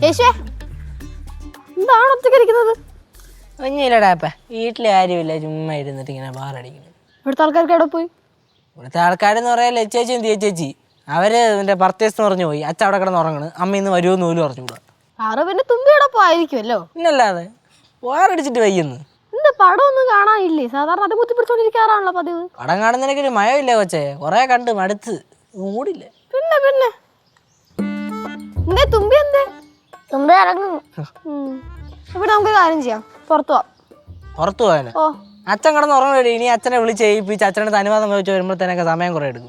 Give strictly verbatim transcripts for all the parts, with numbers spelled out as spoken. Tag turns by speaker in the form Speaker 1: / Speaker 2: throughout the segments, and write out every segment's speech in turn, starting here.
Speaker 1: എന്താണ് ഒറ്റയ്ക്ക് ഇരിക്കുന്നത്?
Speaker 2: ഒന്നുമില്ലടാപ്പ, വീട്ടിൽ ആരുമില്ല, ചുമ്മാ ഇരുന്നിട്ട് ഇങ്ങനെ ബാറടിക്കുന്നു.
Speaker 1: ഇവിടുത്തെ ആൾക്കാർക്ക് എവിടെ പോയി?
Speaker 2: ഇവിടുത്തെ ആൾക്കാരെന്ന് പറയാൻ ലച്ചേച്ചിയും തീച്ചേച്ചി അവര് എന്റെ പർച്ചേസ് പറഞ്ഞു പോയി. അച്ഛൻ അവിടെ കിടന്ന് ഉറങ്ങണ്. അമ്മ ഇന്ന് വരുമെന്ന് പോലും പറഞ്ഞുകൂടാ.
Speaker 1: ആറ് പിന്നെ തുമ്പിയുടെ പോയിരിക്കുമല്ലോ.
Speaker 2: പിന്നല്ലാതെ വാറടിച്ചിട്ട് വയ്യെന്ന്.
Speaker 1: എന്താ പടം ഒന്നും കാണാനില്ലേ? സാധാരണ അത് കുത്തി പിടിച്ചോണ്ടിരിക്കാറാണല്ലോ പതിവ്.
Speaker 2: പടം കാണുന്നതിനൊക്കെ ഒരു മയമില്ല കൊച്ചേ, കൊറേ കണ്ട് മടുത്ത് മൂടില്ല.
Speaker 1: പിന്നെ പിന്നെ എന്തേ തുമ്പി എന്തേ തുമ്പി ഇറങ്ങും. ഇവിടെ നമുക്ക് കാര്യം ചെയ്യാം, പുറത്തു പോവാം.
Speaker 2: പുറത്തു പോകാന്
Speaker 1: ഓ
Speaker 2: അച്ഛൻ കിടന്ന് ഉറങ്ങി. ഇനി അച്ഛനെ വിളിച്ച് ഏൽപ്പിച്ച് അച്ഛനടുത്ത് അനുവാദം ചോദിച്ചു വരുമ്പോഴത്തേനൊക്കെ സമയം കുറെ എടുക്കും.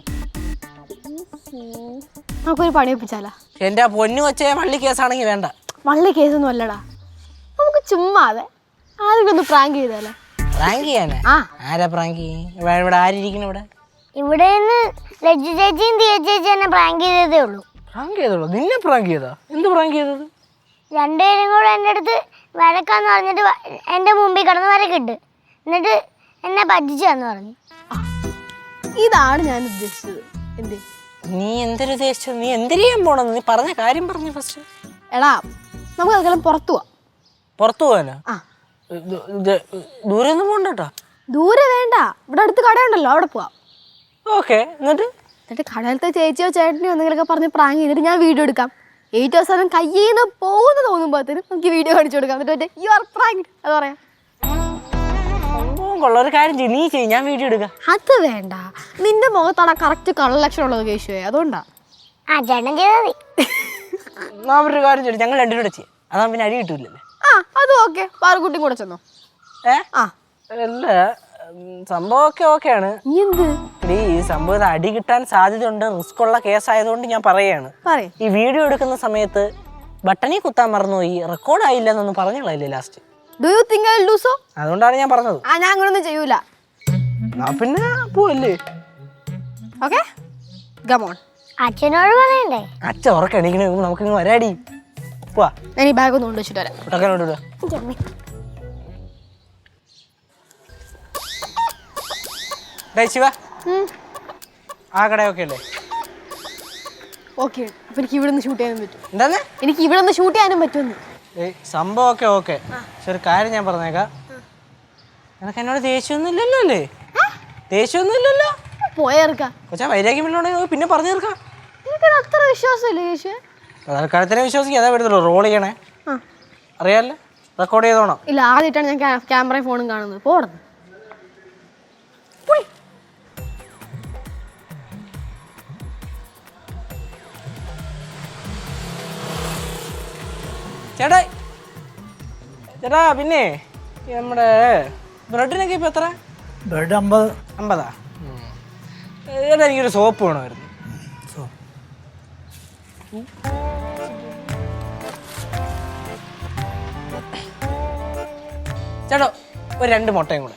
Speaker 1: നമുക്കൊരു പണി ഒപ്പിച്ചാലാ?
Speaker 2: എന്റെ ആ പൊന്നു കൊച്ചേ, വള്ളി കേസാണെങ്കിൽ വേണ്ട.
Speaker 1: വള്ളി കേസൊന്നും അല്ലടാ, നമുക്ക് ചുമ്മാതെ ആരെങ്കിലും ഒന്ന് പ്രാങ്ക് ചെയ്താലേ?
Speaker 2: പ്രാങ്ക് ചെയ്യാനാ? ആരാ പ്രാങ്ക്? ഇവിടെ ആരിയിരിക്കണം? ഇവിടെ
Speaker 3: ഇവിടെ ലജ്ജു ചേച്ചിയും തീയ ചേച്ചി എന്നെ പ്രാങ്ക് ചെയ്തതേ ഉള്ളൂ.
Speaker 2: പ്രാങ്ക് ചെയ്തോളൂ? നിന്നെ പ്രാങ്ക് ചെയ്താ? എന്ത് പ്രാങ്ക് ചെയ്തത്?
Speaker 3: രണ്ടുപേരും കൂടെ എൻ്റെ അടുത്ത് വരക്കാന്ന് പറഞ്ഞിട്ട് എൻ്റെ മുമ്പിൽ കിടന്ന് വരക്കിട്ട് എന്നിട്ട് എന്നെ പറ്റിച്ചാന്ന് പറഞ്ഞു.
Speaker 1: ഇതാണ് ഞാൻ ഉദ്ദേശിച്ചത്. എന്തേ
Speaker 2: നീ എന്തൊരു ഉദ്ദേശിച്ചത്? നീ എന്തിരിയാൻ പോണെന്ന് നീ പറഞ്ഞ കാര്യം പറഞ്ഞു ഫസ്റ്റ്.
Speaker 1: എടാ നമുക്ക് അതെല്ലാം പുറത്തു പോവാം.
Speaker 2: പുറത്തു പോവാനാ?
Speaker 1: ആ
Speaker 2: ദൂരെ ഒന്നും പോണ്ടോ?
Speaker 1: ദൂരെ വേണ്ട, ഇവിടെ അടുത്ത് കടയുണ്ടല്ലോ, അവിടെ പോവാം.
Speaker 2: ഓക്കെ. എന്നിട്ട്
Speaker 1: എന്നിട്ട് കടയിലത്തെ ചേച്ചിയോ ചേട്ടനെയോ എന്തെങ്കിലുമൊക്കെ പറഞ്ഞ് പ്രാങ്ക് ചെയ്തിട്ട് ഞാൻ വീഡിയോ എടുക്കാം. ഏറ്റവും അവസാനം കയ്യിൽ നിന്ന് പോകുന്ന തോന്നുമ്പോഴത്തേനും നമുക്ക് വീഡിയോ കാണിച്ചു കൊടുക്കാം. എന്നിട്ട് യു ആർ പ്രാങ്ക് അത് പറയാം.
Speaker 2: സംഭവം കൊള്ള. ഒരു കാര്യം ചെയ്യും, നീ ചെയ്യും, ഞാൻ വീഡിയോ എടുക്കാം.
Speaker 1: അത് വേണ്ട, നിന്റെ മുഖത്താണ് കറക്റ്റ് കളർ ലക്ഷണം ഉള്ളത് കേശുവേ, അതുകൊണ്ടാ.
Speaker 3: ആ ചേട്ടൻ ചെയ്താൽ മതി.
Speaker 2: ഞാൻ ഒരു കാര്യം ചെയ്യും, ഞങ്ങൾ രണ്ടുപേരും കൂടെ ചെയ്യാം. അതാ പിന്നെ അടി കിട്ടൂലല്ലേ?
Speaker 1: ആ അത് ഓക്കെ. പാറുകുട്ടിയും കൂടെ ചെന്നോ?
Speaker 2: ഏ
Speaker 1: ആ
Speaker 2: അല്ല, സംഭവമൊക്കെ ഓക്കെയാണ്.
Speaker 1: എന്ത്
Speaker 2: ഈ സംഭവം അടി കിട്ടാൻ സാധ്യതയുണ്ട്, റിസ്ക് ഉള്ള കേസായതുകൊണ്ട് ഞാൻ പറയുകയാണ്. ഈ വീഡിയോ എടുക്കുന്ന സമയത്ത് ബട്ടണിൽ കുത്താൻ മറന്നുപോയി, റെക്കോർഡ് ആയില്ല എന്നൊന്നും പറഞ്ഞില്ലേ last?
Speaker 1: Do you think I will do so?
Speaker 2: അതുകൊണ്ടാണ് ഞാൻ പറഞ്ഞത്.
Speaker 1: ആ ഞാൻ അങ്ങനൊന്നും ചെയ്യൂല.
Speaker 2: പിന്നെ പോവല്ലേ?
Speaker 1: Okay come on.
Speaker 3: അച്ഛനോട് പറയണ്ടേ?
Speaker 2: അച്ഛൻ ഉറക്കം എണീക്കണ നമുക്ക് ഇങ്ങ് വരാടി. പോവാ.
Speaker 1: ഞാൻ ഈ ബാഗ് ഒന്ന് കൊണ്ടുവച്ചിട്ട് വരാം.
Speaker 2: കുട്ടക്കനോട് ശിവ, ആ കടയൊക്കെ അല്ലേ?
Speaker 1: ഓക്കെ. അപ്പൊ എനിക്ക് ഇവിടെ നിന്ന് ഷൂട്ട് ചെയ്യാനും പറ്റും?
Speaker 2: എന്താന്ന്?
Speaker 1: എനിക്ക് ഇവിടെ നിന്ന് ഷൂട്ട് ചെയ്യാനും പറ്റുമെന്ന്.
Speaker 2: സംഭവമൊക്കെ ഓക്കെ. പക്ഷെ ഒരു കാര്യം ഞാൻ പറഞ്ഞേക്കാം, നിനക്ക് എന്നോട് ദേഷ്യമൊന്നും ഇല്ലല്ലോ അല്ലേ? ദേഷ്യമൊന്നും ഇല്ലല്ലോ?
Speaker 1: പോയേർക്കാം
Speaker 2: കൊച്ചാ, വൈരാഗ്യം ഇല്ലോണ്ടെങ്കിൽ പിന്നെ പറഞ്ഞു തീർക്കാം.
Speaker 1: എനിക്കത് അത്ര വിശ്വാസമില്ല കേശു.
Speaker 2: തൽക്കാലത്തിനെ വിശ്വസിക്കുക, അതാ വരുന്നുള്ളൂ. റോൾ ചെയ്യണേ അറിയാമല്ലോ, റെക്കോർഡ് ചെയ്തോണം.
Speaker 1: ഇല്ല, ആദ്യമായിട്ടാണ് ഞാൻ ക്യാമറയും ഫോണും കാണുന്നത്. പോടുന്നു
Speaker 2: ചേട്ടാ. ചേട്ടാ പിന്നെ നമ്മുടെ ബ്രെഡിനൊക്കെ ഇപ്പം എത്ര?
Speaker 4: ബ്രെഡ് അമ്പത്.
Speaker 2: അമ്പതാ? ചേട്ടാ എനിക്കൊരു സോപ്പ് വേണമായിരുന്നു. ചേട്ടോ ഒരു രണ്ട് മുട്ടയും കൂടെ.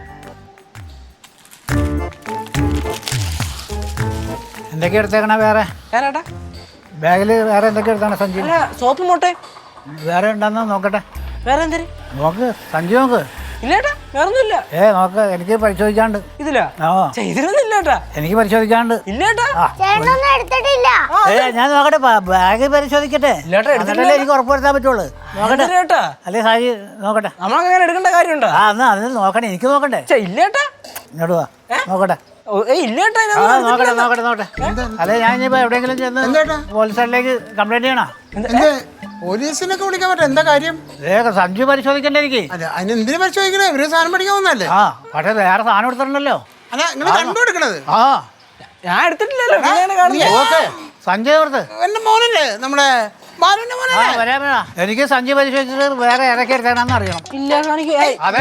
Speaker 4: എന്തൊക്കെ എടുത്തേക്കണ? വേറെ
Speaker 2: ചേട്ടാ
Speaker 4: ബാഗിൽ വേറെ എന്തൊക്കെ എടുത്താണ്? സഞ്ചി
Speaker 2: സോപ്പ് മുട്ടയും
Speaker 4: വേറെ ഉണ്ടെന്ന് നോക്കട്ടെ.
Speaker 2: വേറെ എന്തേലും
Speaker 4: നോക്ക്, സഞ്ചി നോക്ക്.
Speaker 2: ഇല്ലേട്ടാ വേറൊന്നും ഇല്ല.
Speaker 4: ഏ നോക്ക്, എനിക്ക് പരിശോധിക്കാണ്ട്.
Speaker 2: ഇതിലാ?
Speaker 4: ആ
Speaker 2: ഇതിലൊന്നും ഇല്ലേട്ടാ.
Speaker 4: എനിക്ക് പരിശോധിക്കാണ്ട്.
Speaker 2: ഇല്ലേട്ടാ.
Speaker 3: ചേട്ടനൊന്നും എടുത്തിട്ടില്ല.
Speaker 4: ഏ ഞാൻ നോക്കട്ടെ, ബാഗ് പരിശോധിക്കട്ടെ. എന്നിട്ടല്ലേ എനിക്ക് ഉറപ്പുവരുത്താൻ പറ്റുള്ളൂ. നോക്കട്ടെ. അല്ലേ സാജി നോക്കട്ടെ.
Speaker 2: നമ്മളങ്ങനെ എടുക്കേണ്ട കാര്യമുണ്ടോ?
Speaker 4: ആ എന്നാ അതിന് നോക്കണേ, എനിക്ക് നോക്കണ്ടേ.
Speaker 2: ഇല്ലേട്ടാ.
Speaker 4: ഇങ്ങോട്ട് വാ, നോക്കട്ടെ.
Speaker 2: ഇല്ലേട്ടാ.
Speaker 4: ആ നോക്കട്ടെ നോക്കട്ടെ നോക്കട്ടെ. അല്ലെ ഞാൻ ഇനിയിപ്പോ എവിടെയെങ്കിലും ചെന്ന് പോലീസ് സ്റ്റേഷനിലേക്ക് കംപ്ലൈന്റ് ചെയ്യണോ?
Speaker 5: പോലീസിനൊക്കെ വിളിക്കാൻ പറ്റും. എന്താ കാര്യം?
Speaker 4: സഞ്ജു പരിശോധിക്കണ്ടേ എനിക്ക്?
Speaker 5: അതിന് എന്തിനു പരിശോധിക്കണേ? ഇവര് സാധനം പഠിക്കാൻ വന്നല്ലേ?
Speaker 4: ആ പക്ഷെ വേറെ സാധനം എടുത്തിട്ടുണ്ടല്ലോ.
Speaker 5: അല്ല നിങ്ങൾ കണ്ടുപിടിക്കണത്?
Speaker 4: ആ
Speaker 2: ഞാൻ എടുത്തിട്ടില്ലല്ലോ.
Speaker 4: സഞ്ജയ് ഓർത്ത്
Speaker 5: എന്റെ മോനല്ലേ, നമ്മുടെ ബാലുവിന്റെ മോനല്ലേ?
Speaker 4: എനിക്ക് സഞ്ജയ് പരിശോധിച്ചിട്ട് വേറെ ഇറക്കി എടുത്തേക്കണമെന്ന് അറിയണം.
Speaker 2: ഇല്ല കാണിക്കേ.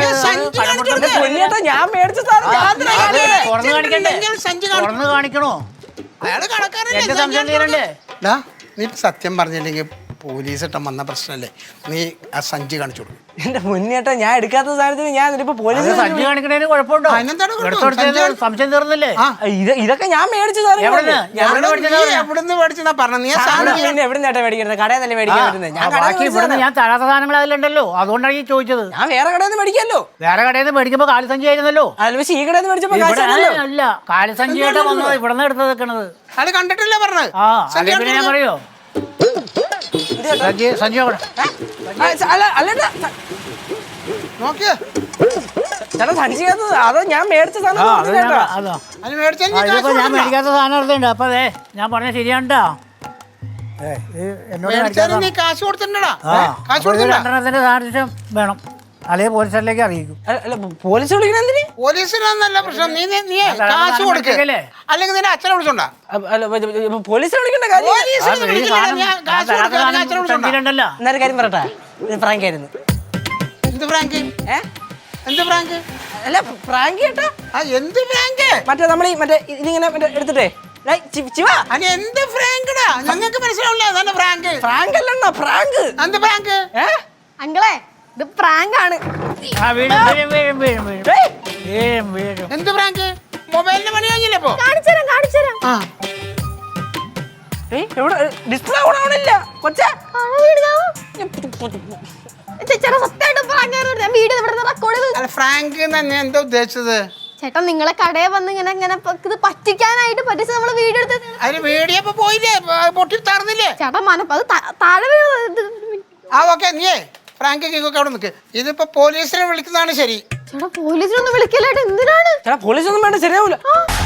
Speaker 4: തുറന്ന് കാണിക്കണോ?
Speaker 5: അയാള്
Speaker 4: എന്റെ സംശയം തീരണ്ടേ?
Speaker 5: നീ സത്യം പറഞ്ഞില്ലെങ്കിൽ പോലീസ് ഇട്ടം വന്ന പ്രശ്നമല്ലേ, നീ ആ സഞ്ചി കാണിച്ചു കൊടുക്കും.
Speaker 2: എന്റെ മുന്നേട്ടം ഞാൻ എടുക്കാത്ത സാധനത്തിന് ഞാൻ ഇപ്പൊ പോലീസ്
Speaker 4: സഞ്ജി കാണിക്കണേന് കുഴപ്പമുണ്ടോ? സംശയം തീർന്നില്ലേ?
Speaker 2: ഇതൊക്കെ ഞാൻ മേടിച്ച
Speaker 5: എവിടുന്ന് മേടിച്ചാ പറഞ്ഞ? നീ
Speaker 2: പിന്നെ എവിടെ നേട്ടാ മേടിക്കുന്നത്? കടയിൽ തന്നെ മേടിക്കാൻ പറ്റുന്നത്.
Speaker 4: ഞാൻ തരാത്ത സാധനങ്ങൾ അതിലുണ്ടല്ലോ, അതുകൊണ്ടാണ് ഈ ചോദിച്ചത്.
Speaker 2: ഞാൻ വേറെ കടയിൽ നിന്ന് മേടിക്കാമല്ലോ.
Speaker 4: വേറെ കടയിൽ നിന്ന് മേടിക്കുമ്പോ കാലിസഞ്ചി ആയിരുന്നല്ലോ.
Speaker 2: പക്ഷേ ഈ കടയിൽ നിന്ന് മേടിച്ചപ്പോ
Speaker 4: അല്ല, കാലിസഞ്ചിയായിട്ട് വന്നത് ഇവിടെ നിന്ന് എടുത്ത് വെക്കണത്.
Speaker 5: അത് കണ്ടിട്ടില്ല പറഞ്ഞത്.
Speaker 4: ആ പിന്നെ ഞാൻ പറയോ,
Speaker 2: ചേട്ടാ.
Speaker 4: സഞ്ജി സഞ്ജി നോക്കട്ടെ.
Speaker 2: ആ, സ- അല്ല അല്ല ചേട്ടാ. സ-
Speaker 5: നോക്കിയേ
Speaker 2: ചേട്ടാ സഞ്ചിക്കകത്ത് അതോ ഞാൻ മേടിച്ച
Speaker 4: ആ
Speaker 2: സാധനം
Speaker 4: അത്
Speaker 2: ചേട്ടാ.
Speaker 4: ഞാൻ- അതോ
Speaker 5: അത് മേടിച്ചാൽ
Speaker 4: ആ, ഇതിപ്പോ ഞാൻ മേടിക്കാത്ത സാധനം എടുത്തുണ്ട് അപ്പൊ അതെ ഞാൻ പറഞ്ഞ ശരിയാണ്ടോ ഏ ഇത് എന്നോട്
Speaker 5: മേടിച്ചാലും
Speaker 4: മേടിക്കാത്ത
Speaker 5: നീ കാശ് കൊടുത്തിട്ടുണ്ടടാ
Speaker 4: ആ
Speaker 5: കാശ്
Speaker 4: അപ്പൊ ഇത്
Speaker 5: കൊടുത്തിട്ടുണ്ടാ
Speaker 4: രണ്ടെണ്ണത്തിന്റെ സാധനം വേണം അല്ലെങ്കിൽ പോലീസുകാരിലേക്ക് അറിയിക്കും.
Speaker 2: അല്ല, അല്ല പോലീസ് വിളിക്കണ എന്തിന്?
Speaker 5: പോലീസിനൊന്നല്ല പ്രശ്നം നീ നീ- നീ
Speaker 4: അതാണ്
Speaker 5: കാശ്
Speaker 4: സാധനം
Speaker 5: കൊടുക്ക്
Speaker 4: മേടിച്ചേക്കല്ലേ?
Speaker 5: അല്ലെങ്കിൽ നിന്റെ അച്ഛനെ വിളിച്ചോണ്ടാ
Speaker 2: അ- അല്ല പ- പ- പോലീസിനെ വിളിക്കേണ്ട കാര്യം
Speaker 5: പോലീസിനെ
Speaker 4: ആ, ഈ
Speaker 5: വിളിക്കില്ല,
Speaker 4: സാധനം-
Speaker 5: ഞാൻ
Speaker 4: ആ,
Speaker 5: കാശ്
Speaker 4: തരാത്ത
Speaker 5: കൊടുക്കാം,
Speaker 4: സാധനം
Speaker 5: ഞാൻ അച്ഛനെ വിളിച്ചോണ്ടാ.
Speaker 4: സഞ്ജിയിലുണ്ടല്ലോ.
Speaker 2: എന്നൊരു കാര്യം പറയട്ടെ, ഇത് പ്രാങ്ക് ആയിരുന്നു.
Speaker 5: എന്ത് പ്രാങ്ക്
Speaker 2: ഏ
Speaker 5: എന്ത് പ്രാങ്ക്
Speaker 2: അല്ല പ്രാങ്ക് കേട്ടാ.
Speaker 5: ആ എന്ത് പ്രാങ്ക്
Speaker 2: മറ്റേ നമ്മൾ ഈ മറ്റേ ഇതിങ്ങനെ മറ്റേ എടുത്തിട്ടേ ഡേയ്, ചി- ചിവ
Speaker 5: അനി എന്ത് പ്രാങ്ക്ടാ ഞങ്ങൾക്ക് മനസ്സിലാവില്ല അതാണ് പ്രാങ്ക്
Speaker 2: പ്രാങ്ക് അല്ലണ്ണ പ്രാങ്ക്.
Speaker 5: എന്ത് പ്രാങ്ക്
Speaker 2: ഏ
Speaker 1: അങ്കിളെ ഇത് പ്രാങ്ക് ആണ്.
Speaker 4: ആ വീഴും വീഴും വീഴും വീഴും വീഴും
Speaker 2: ഡേയ്,
Speaker 4: വീഴും വീഴും
Speaker 5: എന്ത് പ്രാങ്ക് മൊബൈലിന് പണി കഴിഞ്ഞില്ലേ ഇപ്പൊ
Speaker 1: കാണിച്ചുതരാം കാണിച്ചുതരാം.
Speaker 5: ആ
Speaker 2: ഡേയ്, എവിടെ ഡിസ്പ്ലേ ഓൺ ആവണില്ല കൊച്ചേ.
Speaker 1: കാണാൻ വീടുകാവോ? ചേട്ടാ സത്യമായിട്ട് പ്രാങ്ക് ആയിരുന്നു. ഞാൻ വീഡിയോ ഇവിടെ റെക്കോർഡ് ചെയ്ത്
Speaker 5: അല്ല ഫ്രാങ്ക് തന്നെ എന്താ ഉദ്ദേശിച്ചത്
Speaker 1: ചേട്ടാ നിങ്ങളെ കടയിൽ വന്ന് ഇങ്ങനെ ഇങ്ങനെ പ- ഇത് പറ്റിക്കാനായിട്ട് പറ്റിച്ച് നമ്മള് വീഡിയോ എടുത്ത്
Speaker 5: അതിന് വീഡിയോ ഇപ്പൊ പോയില്ലേ പ- പൊട്ടി തറന്നില്ലേ
Speaker 1: ചേട്ടാ മനപ്പ അത് ത- താഴെ വീണത്.
Speaker 5: ആ ഓക്കെ നീയേ ഫ്രാങ്ക് കിക്കൊക്കെ അവിടെ നിൽക്ക് ഇതിപ്പോ പോലീസിനെ വിളിക്കുന്നതാണ് ശരി
Speaker 1: ചേട്ടാ പോലീസിനൊന്നും വിളിക്കല്ലേട്ട് എന്തിനാണ്?
Speaker 2: ചേട്ടാ പോലീസ് ഒന്നും വേണ്ട ശരിയാവൂല.
Speaker 1: ആ,